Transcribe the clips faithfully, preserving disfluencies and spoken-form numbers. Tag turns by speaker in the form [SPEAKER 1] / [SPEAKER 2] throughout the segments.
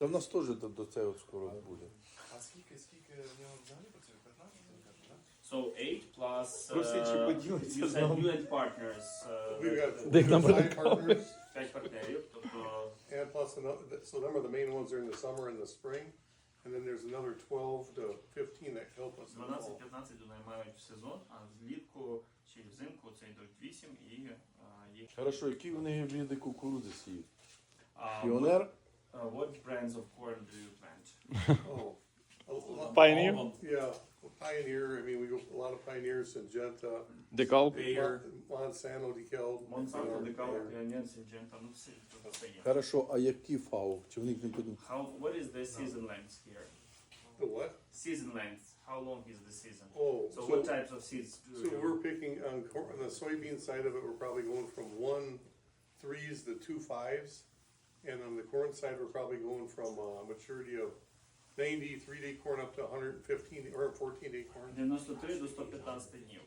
[SPEAKER 1] Та в нас теж до, до цього скоро буде.
[SPEAKER 2] А скільки, скільки в нього взагалі працює? п'ятнадцять, ви кажете, так?
[SPEAKER 3] So eight plus
[SPEAKER 1] Просить,
[SPEAKER 3] uh,
[SPEAKER 1] чи поділиться
[SPEAKER 3] you
[SPEAKER 1] з
[SPEAKER 3] said
[SPEAKER 1] нами.
[SPEAKER 3] you and partners. Uh,
[SPEAKER 2] We've got
[SPEAKER 1] Де їх набрати?
[SPEAKER 2] five partners,
[SPEAKER 3] п'ять партнерів, тобто
[SPEAKER 2] and plus another, so them are the main ones during the summer and the spring. And then there's another twelve to fifteen that help us in the fall.
[SPEAKER 3] дванадцять-п'ятнадцять наймають в сезон, а влітку чи взимку це йдуть вісім і а, їх.
[SPEAKER 1] Хорошо, які вони види кукурудзи сіють?
[SPEAKER 3] А,
[SPEAKER 1] Піонер?
[SPEAKER 3] what, uh, what brands of corn do you plant?
[SPEAKER 2] Oh, a lot-
[SPEAKER 1] Pioneer?
[SPEAKER 2] yeah, Pioneer, I mean, we go, a lot of Pioneers, Syngenta,
[SPEAKER 1] Декал?
[SPEAKER 3] Bayer,
[SPEAKER 2] Monsanto, DeKalb.
[SPEAKER 3] Monsanto,
[SPEAKER 2] you know,
[SPEAKER 3] Decalb,
[SPEAKER 2] Bayer.
[SPEAKER 3] Pioneer, Syngenta, ну все, то все є.
[SPEAKER 1] Хорошо, а які фау? Чи в них не подібні?
[SPEAKER 3] How, what is the season length here?
[SPEAKER 2] The what?
[SPEAKER 3] Season length, how long is the season?
[SPEAKER 2] Oh,
[SPEAKER 3] So
[SPEAKER 2] so,
[SPEAKER 3] what types of seeds do
[SPEAKER 2] so
[SPEAKER 3] you?
[SPEAKER 2] we're picking on, cor- on the soybean side of it, we're probably going from one threes to two fives. And on the corn side, we're probably going from uh, maturity of ninety three-day corn up to one hundred fifteen or fourteen-day corn.
[SPEAKER 3] дев'яносто три до сто п'ятнадцять днів.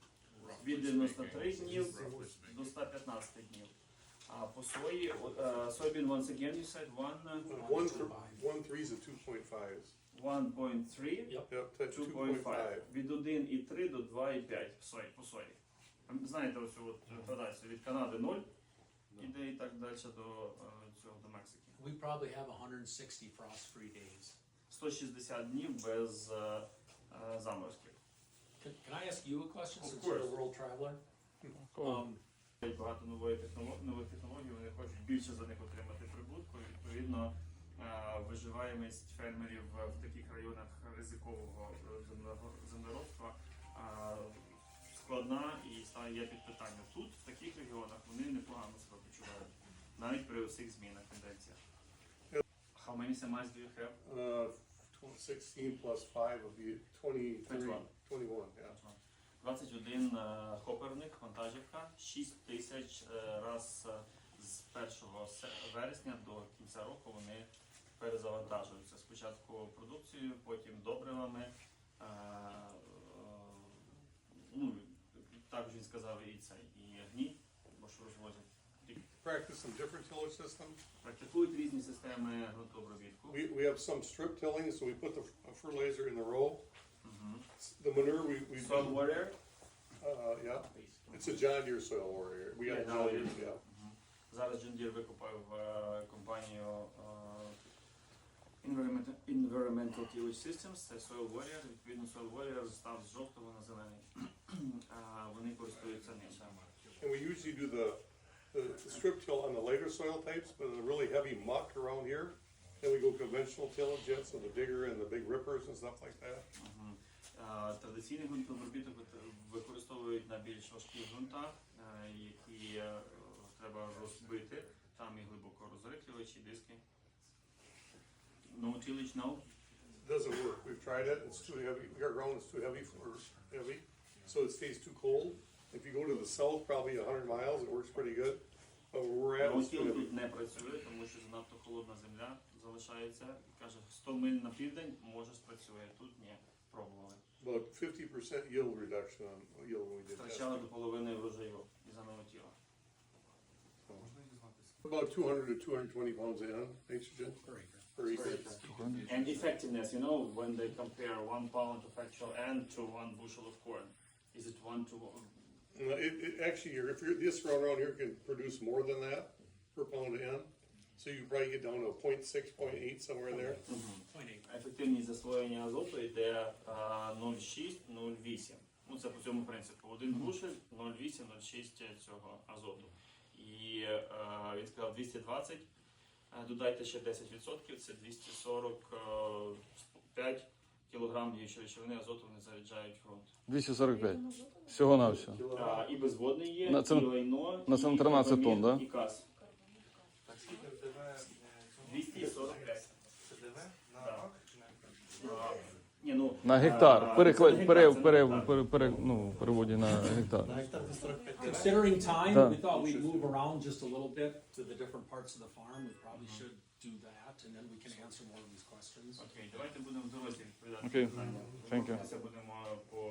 [SPEAKER 3] Від дев'яносто три днів до сто п'ятнадцять днів. А по сої, от, е, soybean once again you said one,
[SPEAKER 2] Uh, One, th- one threes to two point fives.
[SPEAKER 3] one point three,
[SPEAKER 2] Yep, to
[SPEAKER 3] two
[SPEAKER 2] two
[SPEAKER 3] point
[SPEAKER 2] point
[SPEAKER 3] five.
[SPEAKER 2] five.
[SPEAKER 3] Від один і три до два і п'ять по сої. По сої. Знаєте ось от градацію від Канади ноль, іде і так далі до е, цього до Мексики.
[SPEAKER 4] We probably have one hundred sixty frost-free days.
[SPEAKER 3] сто шістдесят днів без е, е, заморозків.
[SPEAKER 4] Can, can I ask you a question
[SPEAKER 3] Of
[SPEAKER 4] since you're
[SPEAKER 3] course.
[SPEAKER 4] a world traveler? Um,
[SPEAKER 3] Є багато нової технології, нових технологій, вони хочуть більше за них отримати прибутку. І, відповідно, е, виживаємість фермерів в таких районах ризикового е, землеро- землеробства е, складна і стає є під питання. Тут, в таких регіонах, вони непогано себе почувають, навіть при усіх змінах тенденціях. How many semis do you have?
[SPEAKER 2] Uh, tw- sixteen plus five would be twenty-three,
[SPEAKER 3] Twenty-one.
[SPEAKER 2] twenty-one, yeah.
[SPEAKER 3] двадцять один е, хоперник, вантажівка, шість тисяч е, раз е, з першого се- вересня до кінця року вони перезавантажуються. Спочатку продукцією, потім добривами. Е, е, ну, також він сказав і це, і гній, бо що розвозять.
[SPEAKER 2] Practice some different tillage systems.
[SPEAKER 3] Практикують різні системи ґрунтообробітку.
[SPEAKER 2] We, we have some strip tilling, so we put the f- fertilizer in the row.
[SPEAKER 3] Мгм.
[SPEAKER 2] The manure we, we
[SPEAKER 3] Soil warrior.
[SPEAKER 2] uh, yeah, it's a John Deere soil warrior. We got
[SPEAKER 3] Yeah,
[SPEAKER 2] John Deere,
[SPEAKER 3] nowadays.
[SPEAKER 2] yeah.
[SPEAKER 3] Мгм. Зараз John Deere викупив е, компанію е, Environmental, Environmental Tillage Systems, це Soil Warrior. Відповідно, Soil Warrior став з жовтого на зелений. Е, Вони користуються ним.
[SPEAKER 2] And we usually do the, the strip till on the lighter soil types, but the really heavy muck around here. Then we go conventional tillage, yeah, so the digger and the big rippers and stuff like that.
[SPEAKER 3] Мгм. Е, Традиційний ґрунтообробіток вит- використовують на більш важких ґрунтах, е, які е, треба розбити. Там і глибоко розриклювачі, диски. No tillage now?
[SPEAKER 2] Doesn't work. We've tried it. It's too heavy. Our ground is too heavy for heavy, so it stays too cold. If you go to the south, probably a hundred miles, it works pretty good. But where we're at, it's too
[SPEAKER 3] Роутіл
[SPEAKER 2] heavy.
[SPEAKER 3] тут не працює, тому що занадто холодна земля залишається. Каже, сто миль на південь може спрацює, тут ні, пробували.
[SPEAKER 2] About fifty percent yield reduction on yield when we did
[SPEAKER 3] Втрачали
[SPEAKER 2] that.
[SPEAKER 3] до половини врожаю із-за новотіла.
[SPEAKER 2] Можна дізнатися? About two hundred to two hundred twenty pounds of N nitrogen
[SPEAKER 4] per acre.
[SPEAKER 2] per acre.
[SPEAKER 3] And effectiveness, you know, when they compare one pound of actual N to one bushel of corn, is it one to one?
[SPEAKER 2] Uh, It, it actually, you're, if you're, this round around here can produce more than that per pound of N. So you probably get down to a point six, point eight, somewhere in there.
[SPEAKER 4] Point eight.
[SPEAKER 3] Ефективність засвоєння азоту йде а, нуль цілих шість - нуль цілих вісім. Ну, це по цьому принципу. Один бушель - нуль цілих вісім - нуль цілих шість цього азоту. І е, він сказав двісті двадцять, е, додайте ще десять відсотків, це двісті сорок п'ять кілограм діючої речовини азоту вони заряджають в ґрунт.
[SPEAKER 1] двісті сорок п'ять. Всього на все.
[SPEAKER 3] А, і безводний є,
[SPEAKER 1] На це-
[SPEAKER 3] і лайно,
[SPEAKER 1] на це
[SPEAKER 3] і
[SPEAKER 1] тринадцять
[SPEAKER 3] карбамід,
[SPEAKER 1] тонн, да?
[SPEAKER 3] і каз.
[SPEAKER 2] Так скільки в ДВ?
[SPEAKER 3] двісті сорок п'ять.
[SPEAKER 2] Це ДВ? На
[SPEAKER 3] Да.
[SPEAKER 2] акр чи на
[SPEAKER 3] А, ні, ну,
[SPEAKER 1] На
[SPEAKER 3] а,
[SPEAKER 1] гектар.
[SPEAKER 3] це
[SPEAKER 1] Переклад,
[SPEAKER 3] на
[SPEAKER 1] пере,
[SPEAKER 3] гектар,
[SPEAKER 1] пере,
[SPEAKER 3] це не
[SPEAKER 1] пере, пере, ну, переводі на гектар.
[SPEAKER 4] Considering time,
[SPEAKER 1] Да.
[SPEAKER 4] we thought we'd move around just a little bit to the different parts of the farm. We probably should do that, and then we can answer more of these questions.
[SPEAKER 3] Окей, давайте будемо в дорозі відповідати
[SPEAKER 1] Окей.
[SPEAKER 3] на питання.
[SPEAKER 1] Thank you.
[SPEAKER 3] Це будемо по